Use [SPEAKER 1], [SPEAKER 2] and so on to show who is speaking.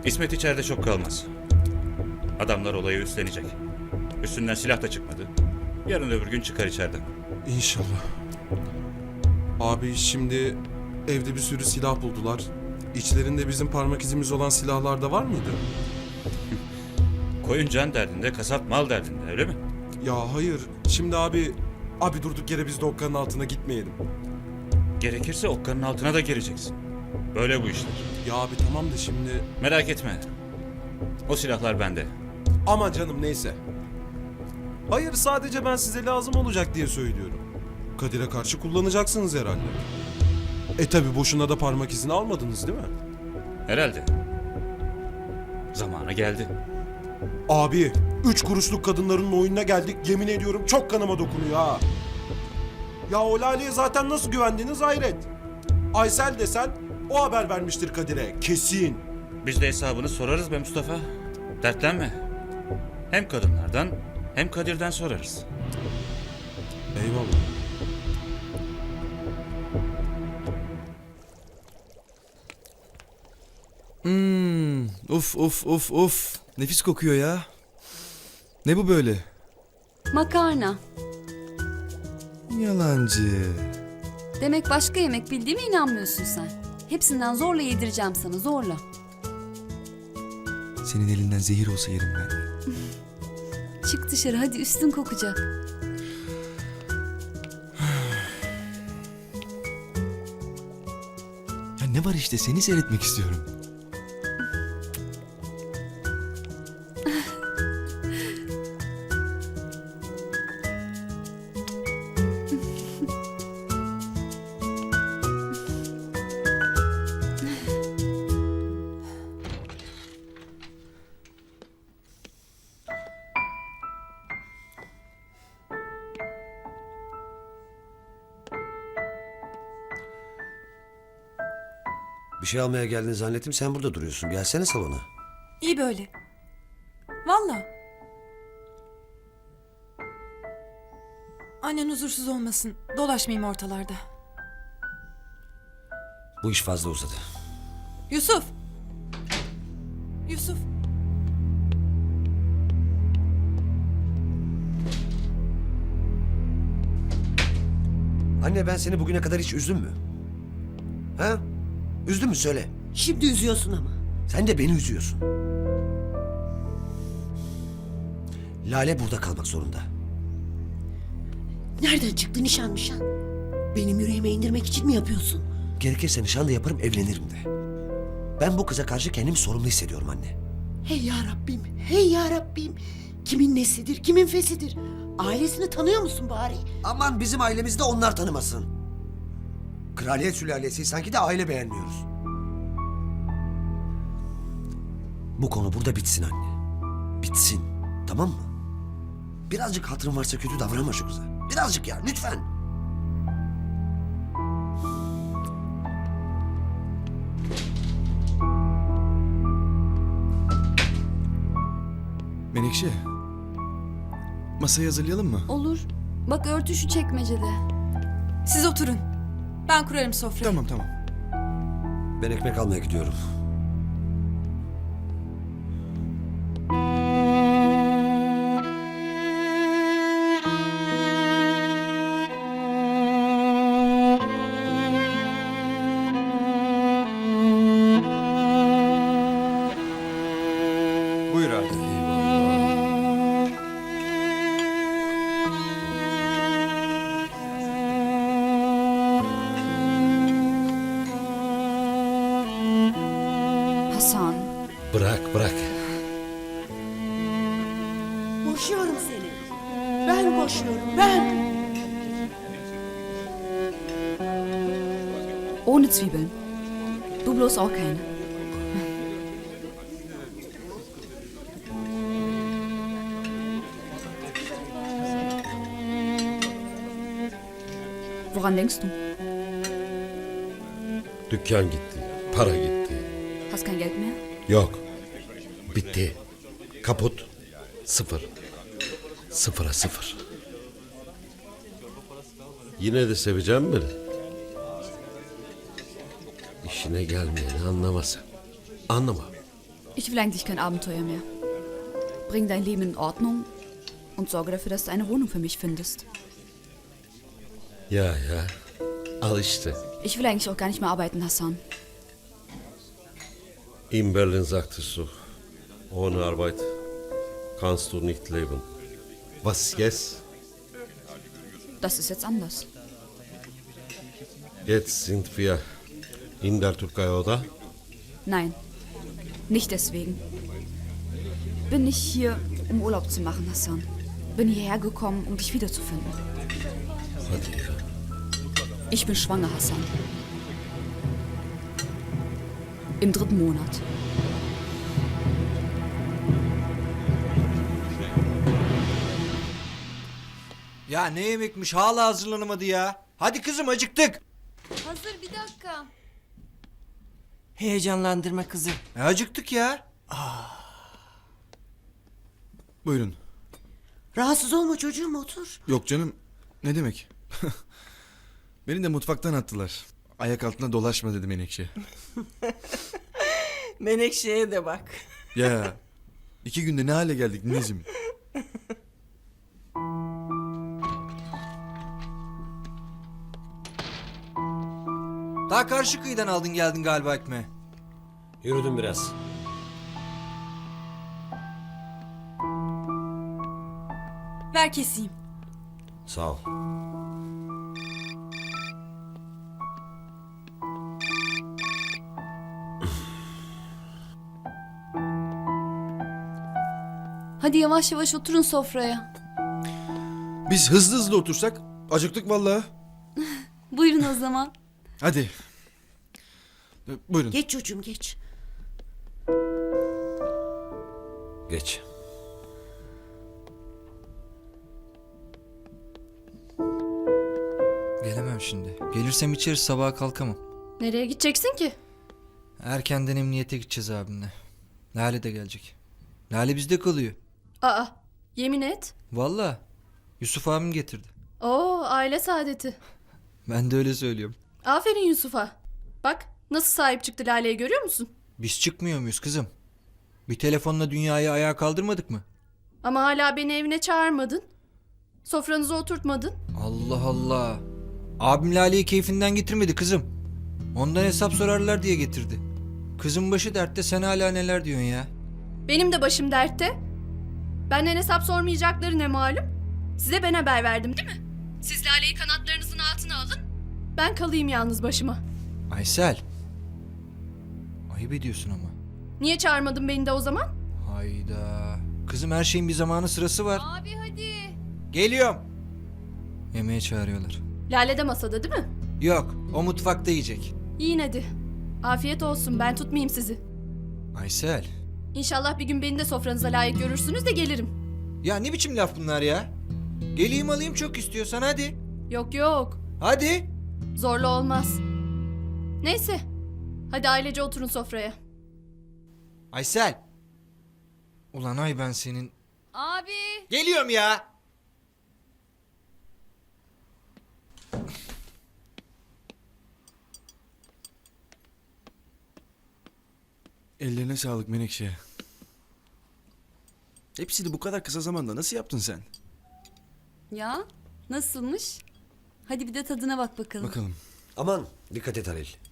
[SPEAKER 1] İsmet içeride çok kalmaz. Adamlar olayı üstlenecek. Üstünden silah da çıkmadı. Yarın öbür gün çıkar içeriden.
[SPEAKER 2] İnşallah. Abi şimdi evde bir sürü silah buldular. İçlerinde bizim parmak izimiz olan silahlar da var mıydı?
[SPEAKER 1] Koyun can derdinde, kasap mal derdinde, öyle mi?
[SPEAKER 2] Ya hayır. Şimdi abi durduk yere biz de okkanın altına gitmeyelim.
[SPEAKER 1] Gerekirse okkanın altına da gireceksin. Böyle bu işler.
[SPEAKER 2] Ya abi tamam da şimdi...
[SPEAKER 1] Merak etme. O silahlar bende.
[SPEAKER 2] Ama canım neyse. Hayır sadece ben size lazım olacak diye söylüyorum. Kadir'e karşı kullanacaksınız herhalde. Tabi boşuna da parmak izini almadınız değil mi?
[SPEAKER 1] Herhalde. Zamanı geldi.
[SPEAKER 2] Abi 3 kuruşluk kadınların oyununa geldik, yemin ediyorum çok kanıma dokunuyor ha. Ya o Lale'ye zaten nasıl güvendiniz hayret. Aysel desen o haber vermiştir Kadir'e kesin.
[SPEAKER 1] Biz de hesabını sorarız be Mustafa. Dertlenme. Hem kadınlardan hem Kadir'den sorarız.
[SPEAKER 2] Eyvallah.
[SPEAKER 3] Uf. Nefis kokuyor ya. Ne bu böyle?
[SPEAKER 4] Makarna.
[SPEAKER 3] Yalancı.
[SPEAKER 4] Demek başka yemek bildiğime inanmıyorsun sen. Hepsinden zorla yedireceğim sana, zorla.
[SPEAKER 3] Senin elinden zehir olsa yerim ben.
[SPEAKER 4] Çık dışarı hadi, üstün kokacak.
[SPEAKER 3] Ya ne var işte, seni seyretmek istiyorum.
[SPEAKER 5] Bir şey almaya geldiğini zannettim, sen burada duruyorsun. Gelsene salona.
[SPEAKER 6] İyi böyle. Valla. Annen huzursuz olmasın. Dolaşmayayım ortalarda.
[SPEAKER 5] Bu iş fazla uzadı.
[SPEAKER 6] Yusuf. Yusuf.
[SPEAKER 5] Anne, ben seni bugüne kadar hiç üzdüm mü? Ha? Üzdün mü söyle.
[SPEAKER 7] Şimdi üzüyorsun ama.
[SPEAKER 5] Sen de beni üzüyorsun. Lale burada kalmak zorunda.
[SPEAKER 7] Nereden çıktı nişan? Benim yüreğime indirmek için mi yapıyorsun?
[SPEAKER 5] Gerekirse nişan da yaparım, evlenirim de. Ben bu kıza karşı kendimi sorumlu hissediyorum anne.
[SPEAKER 7] Hey ya Rabbim. Kimin nesidir, kimin fesidir? Ailesini tanıyor musun bari?
[SPEAKER 5] Aman bizim ailemizde onlar tanımasın. Kraliyet sülalesi sanki de aile beğenmiyoruz. Bu konu burada bitsin anne. Bitsin. Tamam mı? Birazcık hatırın varsa kötü davranma şu kıza. Birazcık ya, lütfen.
[SPEAKER 3] Menekşe. Masayı hazırlayalım mı?
[SPEAKER 4] Olur. Bak örtü şu çekmecede.
[SPEAKER 6] Siz oturun. Ben kurarım sofrayı.
[SPEAKER 3] Tamam.
[SPEAKER 5] Ben ekmek almaya gidiyorum.
[SPEAKER 3] Buyur abi.
[SPEAKER 4] Hasan.
[SPEAKER 5] Bırak.
[SPEAKER 7] Boşuyorum seni. Ben boşuyorum, ben.
[SPEAKER 4] Ohne Zwiebeln. Du bloß auch keine. Woran denkst du?
[SPEAKER 8] Dükkan gitti, para gitti.
[SPEAKER 4] Hast kein Geld mehr?
[SPEAKER 8] Yok, bitti. Kaput, sıfır. Sıfıra sıfır. Yine de seveceğim beni. İşine gelmeyeni anlamasın. Anlama.
[SPEAKER 4] Ich will eigentlich kein Abenteuer mehr. Bring dein Leben in Ordnung und sorge dafür, dass du eine Wohnung für mich findest.
[SPEAKER 8] Ya ya. Al işte.
[SPEAKER 4] Ich will eigentlich auch gar nicht mehr arbeiten, Hassan.
[SPEAKER 8] In Berlin sagtest du, ohne Arbeit kannst du nicht leben. Was jetzt?
[SPEAKER 4] Das ist jetzt anders.
[SPEAKER 8] Jetzt sind wir in der Türkei, oder?
[SPEAKER 4] Nein, nicht deswegen. Bin nicht hier, um Urlaub zu machen, Hassan. Bin hierher gekommen, um dich wiederzufinden.
[SPEAKER 8] Hadi ya.
[SPEAKER 4] Ich bin schwanger, Hassan. Im 3. Monat.
[SPEAKER 3] Ya ne yemekmiş hala hazırlanamadı ya. Hadi kızım acıktık.
[SPEAKER 4] Hazır, bir dakika.
[SPEAKER 9] Heyecanlandırma kızı.
[SPEAKER 3] Acıktık ya.
[SPEAKER 10] Buyurun.
[SPEAKER 7] Rahatsız olma çocuğum, otur.
[SPEAKER 10] Yok canım. Ne demek? Beni de mutfaktan attılar. Ayak altına dolaşma dedi Menekşe.
[SPEAKER 9] Menekşe'ye de bak.
[SPEAKER 10] Ya 2 günde ne hale geldik Nezim?
[SPEAKER 3] Daha karşı kıyıdan aldın geldin galiba ekmeği.
[SPEAKER 8] Yürüdüm biraz.
[SPEAKER 6] Ver keseyim.
[SPEAKER 8] Sağ ol.
[SPEAKER 4] Hadi yavaş yavaş oturun sofraya.
[SPEAKER 10] Biz hızlı hızlı otursak acıktık vallahi.
[SPEAKER 4] Buyurun o zaman.
[SPEAKER 10] Hadi. Buyurun.
[SPEAKER 7] Geç çocuğum, geç.
[SPEAKER 5] Geç.
[SPEAKER 3] Gelemem şimdi. Gelirsem içeriz sabaha kalkamam.
[SPEAKER 6] Nereye gideceksin ki?
[SPEAKER 3] Erkenden emniyete gideceğiz abimle. Lale de gelecek. Lale bizde kalıyor.
[SPEAKER 6] Aa, yemin et.
[SPEAKER 3] Vallahi Yusuf abim getirdi.
[SPEAKER 6] Oo, aile saadeti.
[SPEAKER 3] Ben de öyle söylüyorum.
[SPEAKER 6] Aferin Yusuf'a. Bak nasıl sahip çıktı Lale'ye, görüyor musun?
[SPEAKER 3] Biz çıkmıyor muyuz kızım? Bir telefonla dünyayı ayağa kaldırmadık mı?
[SPEAKER 6] Ama hala beni evine çağırmadın. Sofranıza oturtmadın.
[SPEAKER 3] Allah Allah. Abim Lale'yi keyfinden getirmedi kızım. Ondan hesap sorarlar diye getirdi. Kızın başı dertte, sen hala neler diyorsun ya?
[SPEAKER 6] Benim de başım dertte. Benden hesap sormayacakları ne malum? Size ben haber verdim değil mi? Siz Lale'yi kanatlarınızın altına alın. Ben kalayım yalnız başıma.
[SPEAKER 3] Aysel. Ayıp ediyorsun ama.
[SPEAKER 6] Niye çağırmadın beni de o zaman?
[SPEAKER 3] Hayda. Kızım her şeyin bir zamanı sırası var.
[SPEAKER 4] Abi hadi.
[SPEAKER 3] Geliyorum. Yemeğe çağırıyorlar.
[SPEAKER 6] Lale de masada değil mi?
[SPEAKER 3] Yok, o mutfakta yiyecek.
[SPEAKER 6] Yiyin hadi. Afiyet olsun, ben tutmayayım sizi.
[SPEAKER 3] Aysel.
[SPEAKER 6] İnşallah bir gün beni de sofranıza layık görürsünüz de gelirim.
[SPEAKER 3] Ya ne biçim laf bunlar ya? Geleyim alayım çok istiyorsan hadi.
[SPEAKER 6] Yok yok,
[SPEAKER 3] Hadi.
[SPEAKER 6] zorla olmaz. Neyse, hadi ailece oturun sofraya.
[SPEAKER 3] Aysel. Ulan ay ben senin.
[SPEAKER 4] Abi.
[SPEAKER 3] Geliyorum ya.
[SPEAKER 10] Ellerine sağlık Menekşe. Hepsini bu kadar kısa zamanda nasıl yaptın sen?
[SPEAKER 4] Ya nasılmış? Hadi bir de tadına bak bakalım.
[SPEAKER 10] Bakalım.
[SPEAKER 5] Aman dikkat et Halil.